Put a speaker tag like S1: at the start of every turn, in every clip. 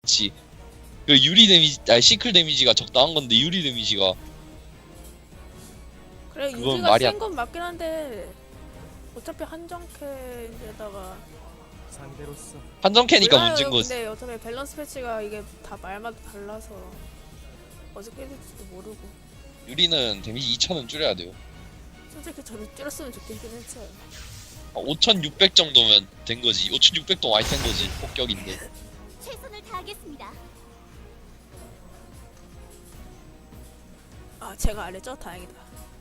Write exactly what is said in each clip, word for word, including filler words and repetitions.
S1: 좋지. 그 유리 데미지, 아니 시클 데미지가 적당한 건데 유리 데미지가
S2: 그래
S1: 그건
S2: 유리가
S1: 말이 안-
S2: 센 건 맞긴 한데 어차피 한정캐에다가
S3: 상대로서
S1: 한정캐니까
S2: 몰라요.
S1: 문제인 거지.
S2: 근데 어차피 밸런스 패치가 이게 다 말마다 달라서 어떻게 될지도 모르고
S1: 유리는 데미지 이천은 줄여야 돼요.
S2: 솔직히 저는 줄였으면 좋겠긴 했어요.
S1: 오천육백 정도면 된 거지. 오천육백도 많이 센 거지. 폭격인데.
S4: 최선을 다하겠습니다.
S2: 아 제가 안 했죠? 다행이다.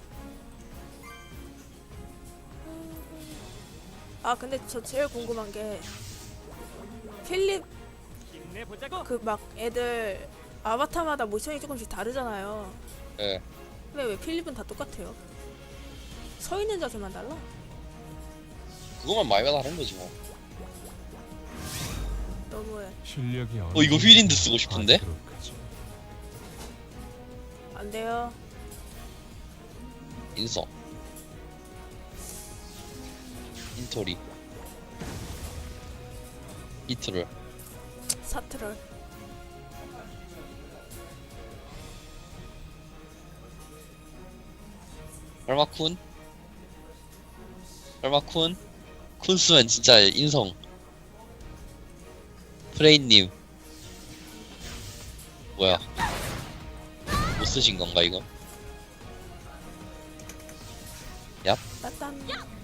S2: 아 근데 저 제일 궁금한 게 필립
S3: 힘내보자고.
S2: 그 막 애들 아바타마다 모션이 조금씩 다르잖아요.
S1: 예.
S2: 근데 왜 필립은 다 똑같아요? 서 있는 자세만 달라?
S1: 그거만 말마다 다른 거지 뭐.
S2: 너무해.
S3: 실력이
S1: 어, 이거 휠인드 쓰고 싶은데?
S2: 안 돼요.
S1: 인성. 인토리. 이트를.
S2: 사트럴.
S1: 얼마쿤? 얼마쿤? 쿤스면 진짜 인성. 프레이님. 뭐야? 못 쓰신 건가 이거?
S2: 따단.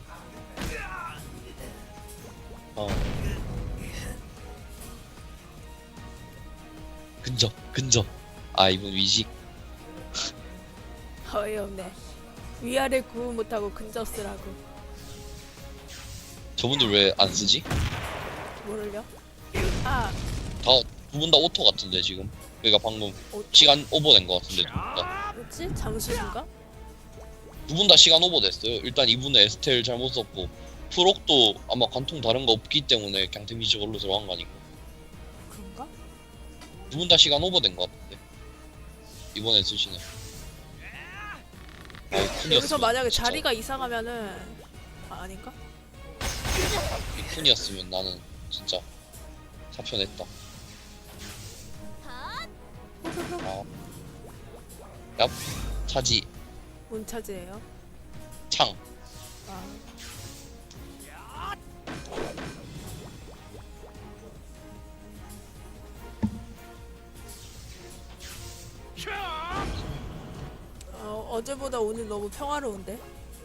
S1: 어. 근접, 근접. 아 이분 위식.
S2: 어이없네. 위아래 구분 못하고 근접 쓰라고.
S1: 저분들 왜 안 쓰지?
S2: 모를려? 아
S1: 다 두 분 다 오토 같은데 지금. 그러니까 방금
S2: 어,
S1: 시간 오버된 것 같은데 두 분 다.
S2: 뭐지? 잠수인가?
S1: 두 분 다 시간 오버됐어요. 일단 이분은 에스텔 잘못 썼고 프록도 아마 관통 다른 거 없기 때문에 그냥 데미지 걸로 들어간 거 아니고.
S2: 그런가?
S1: 두 분 다 시간 오버된 것 같은데 이번에 쓰시네. 아,
S2: 여기서 만약에
S1: 진짜.
S2: 자리가 이상하면은 아, 아닌가?
S1: 이 쿤이었으면 나는 진짜 사표냈다. 아. 얍 차지
S2: 문차지예요.
S1: 창.
S2: 아. 어, 어제보다 오늘 너무 평화로운데?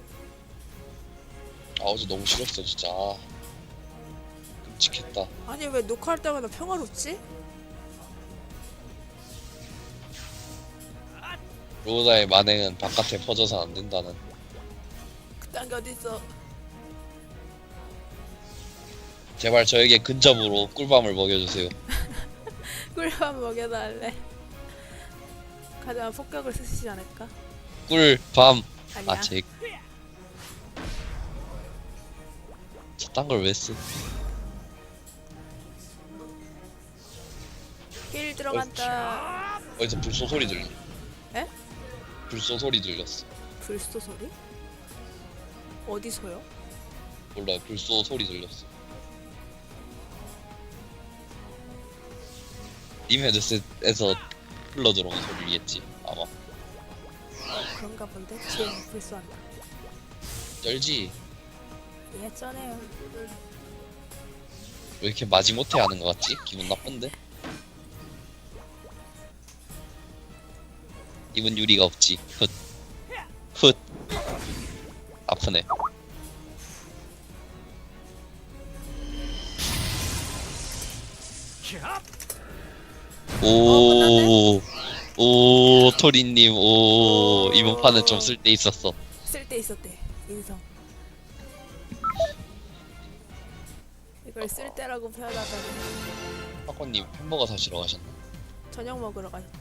S1: 아 어제 너무 싫었어 진짜. 아, 끔찍했다.
S2: 아니 왜 녹화할 때마다 평화롭지?
S1: 로다의 만행은 바깥에 퍼져서 안 된다는.
S2: 그딴 게 어딨어.
S1: 제발 저에게 근접으로 꿀밤을 먹여주세요.
S2: 꿀밤 먹여달래. 가져와 폭격을 쓰시지 않을까?
S1: 꿀밤.
S2: 아니야.
S1: 아 제. 저딴 걸 왜 쓰?
S2: 힐 들어간다.
S1: 어디서 불소 소리 들리?
S2: 에?
S1: 불소 소리 들렸어.
S2: 불소 소리? 어디서요?
S1: 몰라 불소 소리 들렸어. 님 헤드셋에서 흘러 들어오는 소리겠지 아마.
S2: 어, 그런가 본데? 지금 불소한다.
S1: 쩔지.
S2: 예, 쩌네요.
S1: 왜 이렇게 마지못해 하는 거 같지? 기분 나쁜데? 입은 유리가 없지. 훗. 훗. 아프네. 오. 오, 토리님, 오. 이번 판은 좀 쓸데 있었어.
S2: 쓸데 있었대. 인성. 이걸 쓸데라고 표현하다니.
S1: 사건님 햄버거 사시러 가셨나?
S2: 저녁 먹으러 가셨대.